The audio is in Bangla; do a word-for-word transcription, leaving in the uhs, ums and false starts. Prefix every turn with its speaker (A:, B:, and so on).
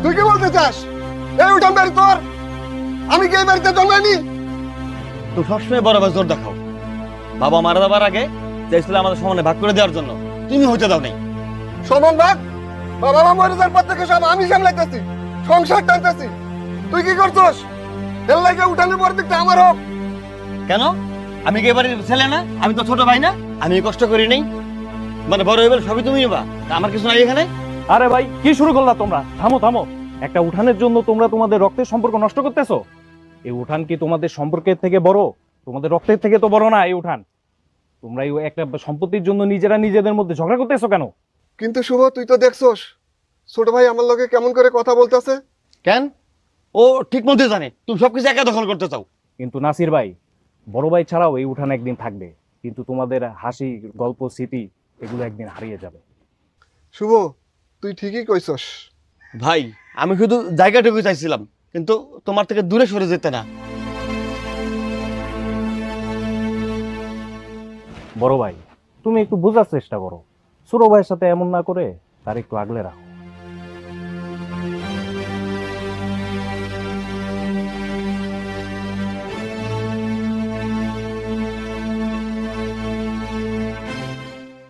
A: তুই কি বলতে চাস এই উঠান বাড়ি তোর? আমি কি এই বাড়িতে জন্মাইনি?
B: তুমি সবসময় বড় ভাই জোর দেখাও। বাবা মারা যাবার আগে চাইছিল আমাদের সমানে ভাগ করে দেওয়ার জন্য, তুমি হইতে দাও নাই।
A: সমান ভাগ? বাবা মা মরে যাওয়ার পর থেকে সব আমি সামলাইতেছি, সংসার টানতেছি। তুই কি করছস? এর লাগে উঠানের পর দিকটা আমার হোক।
B: কেন? আমি কি এবারে ছেলে না? আমি তো ছোট ভাই না? আমি কষ্ট করি নাই? মানে বড় হইবার সবই তুমি বা আমার কিছু নাই এখানে?
C: আরে ভাই কি শুরু করলা তোমরা? থামো থামো। একটা উঠানের জন্য তোমরা তোমাদের রক্তের সম্পর্ক নষ্ট করতেছো? এই উঠান কি তোমাদের সম্পর্কের থেকে বড়? তোমাদের রক্তের থেকে তো বড় না এই উঠান। তোমরা এই একটা সম্পত্তির জন্য নিজেরা নিজেদের মধ্যে ঝগড়া করতেছো কেন?
A: কিন্তু শুভ, তুই তো দেখছস ছোট ভাই আমার লগে কেমন করে কথা বলতেছে।
B: কেন? ও ঠিক মতো জানে তুমি সবকিছু একা দখল করতে চাও।
C: কিন্তু নাসির ভাই, বড় ভাই ছাড়াও এই উঠান একদিন থাকবে, কিন্তু তোমাদের হাসি গল্প স্মৃতি এগুলো একদিন হারিয়ে যাবে।
A: শুভ, তুই ঠিকই কইছস।
B: ভাই আমি শুধু জায়গাটুকু চাইছিলাম, কিন্তু তোমার থেকে দূরে সরে যেতে না।
C: বড় ভাই, তুমি একটু বোঝার চেষ্টা করো। ছোট ভাইয়ের সাথে এমন না করে তার একটু আগলে রাখো।